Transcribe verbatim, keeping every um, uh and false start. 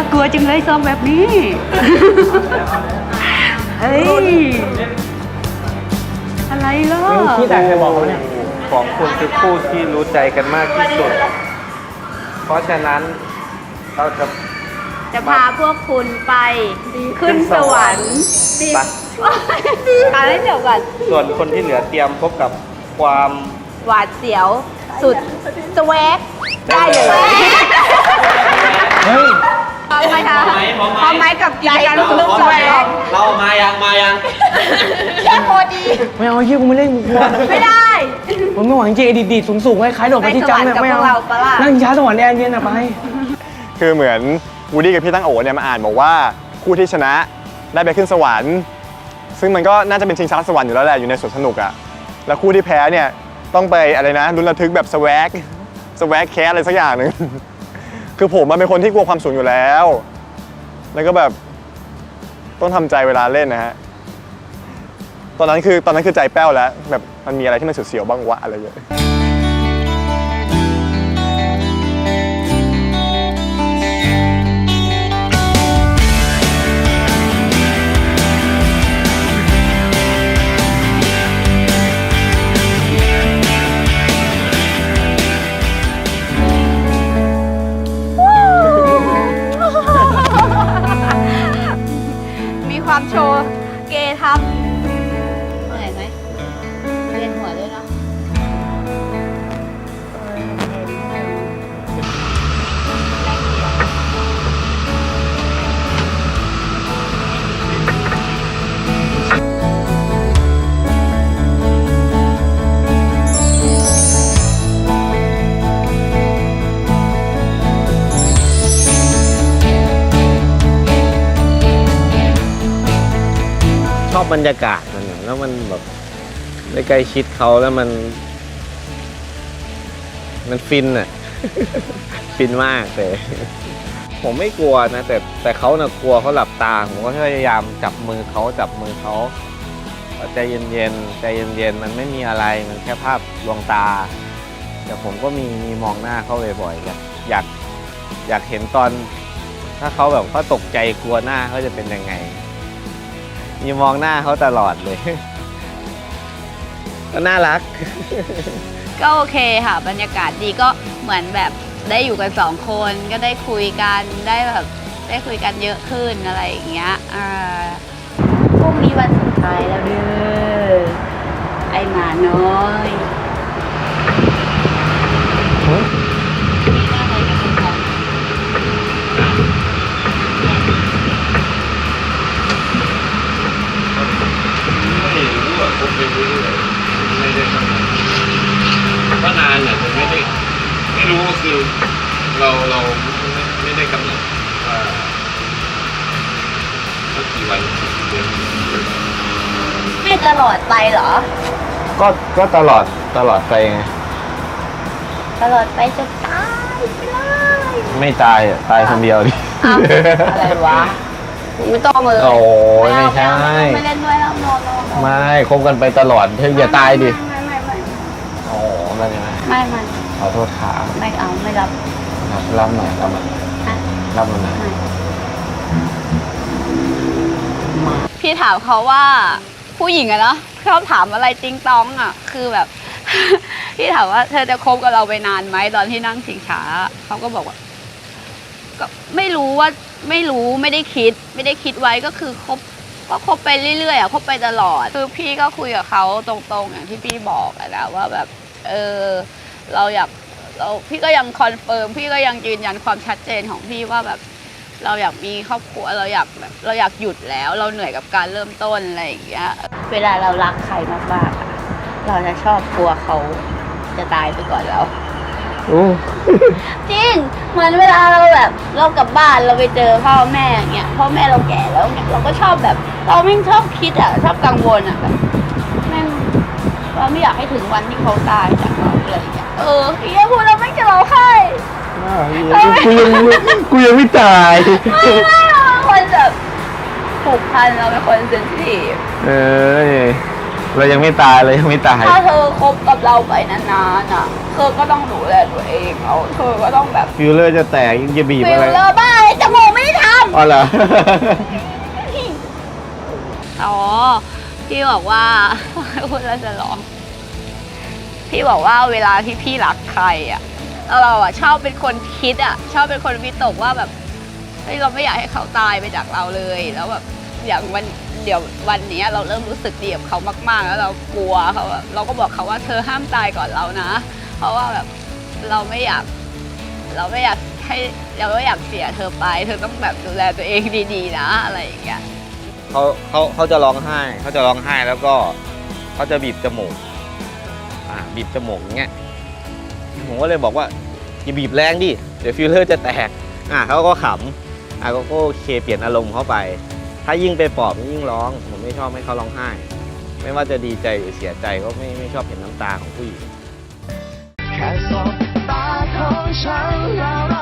ากลัวจังเลยซองแบบนี้ เฮ้ย อะไรล่ะที่แต่ใครบอกเขาเนี่ยของคุณคือคู่ที่รู้ใจกันมากที่สุด เพราะฉะนั้นเราจะจะพาพวกคุณไปขึ้นสวรรค์ไปอ่านให้เดี๋ยวก่อนส่วนคนที่เหลือเตรียมพบกับความหวาดเสียวสุดสแวกได้เลยเฮ้ยพร้อมไหมคะพร้อมไหมกับกิจกรรมสุดสแวกเรามายังมายังเชื่อโคดีไม่เอาเฮียกูไม่เล่นกูกลัวไม่ได้ผมไม่หวังจริงดีดสูงสูงๆคล้ายๆโดดไปที่จัมป์เนี่ยไม่เอาไปสวรรค์กับพวกเราปะล่ะนั่งช้าสวรรค์แอนเย็นอะไปคือเหมือนวูดดี้กับพี่ตั้งโอเนี่ยมาอ่านบอกว่าคู่ที่ชนะได้ไปขึ้นสวรรค์ ซึ่งมันก็น่าจะเป็นชิงช้าสวรรค์อยู่แล้วแหละอยู่ในสวนสนุกอะแล้วคู่ที่แพ้เนี่ยต้องไปอะไรนะลุ้นระทึกแบบสแวกสแวกแคสอะไรสักอย่างหนึ่ง คือผมมันเป็นคนที่กลัวความสูงอยู่แล้ว แล้วก็แบบต้องทำใจเวลาเล่นนะฮะตอนนั้นคือตอนนั้นคือใจแป้วแล้วแบบมันมีอะไรที่มันเสียวๆบ้างวะอะไรอย่างเงี้ยมีความโชว์เกทับเหนื่อยไหมเรียนหัวด้วยเนาะชอบบรรยากาศมันอะแล้วมันแบบได้ใกล้ชิดเขาแล้วมัน มันฟินอ่ะ ฟินมากแต่ ผมไม่กลัวนะ แต่แต่เขาน่ะกลัวเขาหลับตาผมก็พยายามจับมือเขาจับมือเขาใจเย็นๆใจเย็นๆมันไม่มีอะไรมันแค่ภาพลวงตาแต่ผมก็มีมีมองหน้าเขาบ่อยๆอยากอยากอยากเห็นตอน ถ้าเขาแบบเขาตกใจกลัวหน้าเขาจะเป็นยังไงมีมองหน้าเขาตลอดเลย ก็น่ารักก็โอเคค่ะ บรรยากาศดีก็เหมือนแบบได้อยู่กันสองคนก็ได้คุยกันได้แบบได้คุยกันเยอะขึ้นอะไรอย่างเงี้ยอ่าพรุ่งนี้วันสุดท้ายแล้วเด้อไอหมาน้อยมีหน้าอะไรกับคุณพ่อไม่รู้อ่ะผมไม่รู้เลยไม่ได้ทำก็นานอ่ะแต่ไม่ได้ไม่รู้ก็คือเราเราไม่ไม่ได้กำหนดว่าสักกี่วันเดือนไม่ตลอดไปเหรอก็ก็ตลอดตลอดไปไงตลอดไปจะตายไปเลยไม่ตายอ่ะตายคนเดียวดิอ้าวอะไรวะไม่ต้องเลยโอ้ยไม่ใช่ไม่เล่นด้วยแล้วนอนนอนนอนไม่คบกันไปตลอดเธออย่าตายดิไม่ไม่ไม่โอ้ไม่ไม่ไม่ไม่ขอโทษขาไม่เอาไม่รับรับรับหน่อยรับหน่อยอ่ะรับหน่อยพี่ถามเขาว่าผู้หญิงอะเนาะชอบถามอะไรติงตองอะคือแบบ พี่ถามว่าเธอจะคบกับเราไปนานไหมตอนที่นั่งชิงช้าเขาก็บอกว่าก็ไม่รู้ว่าไม่รู้ไม่ได้คิด ไม่ได้คิดไว้ก็คือคบก็คบไปเรื่อยๆอะคบไปตลอดคือพี่ก็คุยกับเขาตรงๆอย่างที่พี่บอกอะนะว่าแบบเออเราอยากเราพี่ก็ยังคอนเฟิร์มพี่ก็ยังยืนยันความชัดเจนของพี่ว่าแบบเราอยากมีครอบครัวเราอยากแบบเราอยากหยุดแล้วเราเหนื่อยกับการเริ่มต้นอะไรอย่างเงี้ยเวลาเรารักใครมากๆอะเราจะชอบกลัวเขาจะตายไปก่อนเราโอ้จริงเหมือนเวลาเราแบบเรากลับบ้านเราไปเจอพ่อแม่อย่างเงี้ยพ่อแม่เราแก่แล้วเนี่ยเราก็ชอบแบบ เราไม่ชอบคิดอ่ะชอบกังวลอ่ะแบบแม่งเราไม่อยากให้ถึงวันที่เขาตายจากเราอะไรอย่างเงี้ยเออพี่แค่พูดเราไม่จะร้องไห้กูยังกูยังไม่ตายไม่ไม่เราเป็นคนแบบผูกพันเราเป็นคนเซนซิทีฟเออเรายังไม่ตายเรายังไม่ตายถ้าเธอคบกับเราไปนานๆอ่ะเธอก็ต้องดูแลตัวเองเอาเธอก็ต้องแบบฟิลเลอร์จะแตกยังจะบีบฟิอะไรลเลอร์บ้าเลยจมูกไม่ได้ทอ๋อเหรออ๋อ พี่บอกว่า พูดแล้วจะร้อง พี่บอกว่าเวลาที่พี่รักใครอ่ะแล้วเราอ่ะชอบเป็นคนคิดอ่ะ ชอบเป็นคนวิตกว่าแบบเฮ้ยเราไม่อยากให้เขาตายไปจากเราเลย แล้วแบบอย่างวันเดี๋ยววันนี้เราเริ่มรู้สึกดีกับเขามากๆ แล้วเรากลัวเขาอะเราก็บอกเขาว่าเธอห้ามตายก่อนเรานะ เพราะว่าแบบเราไม่อยาก เราไม่อยากให้เราไม่อยากเสียเธอไป เธอต้องแบบดูแลตัวเองดีๆนะอะไรอย่างเงี้ยเขาเขาเขาจะร้องไห้เขาจะร้องไห้แล้วก็เขาจะบีบจมูกอ่าบีบจมูกอย่างเงี้ยผมก็เลยบอกว่าอย่าบีบแรงดิเดี๋ยวฟิลเลอร์จะแตกอ่าเขาก็ขำอ่าก็โอเคเปลี่ยนอารมณ์เข้าไป ถ้ายิ่งไปปลอบยิ่งร้องผมไม่ชอบให้เขาร้องไห้ ไม่ว่าจะดีใจหรือเสียใจก็ไม่ไม่ชอบเห็นน้ำตาของผู้หญิงแค่สบตาของฉันแล้ว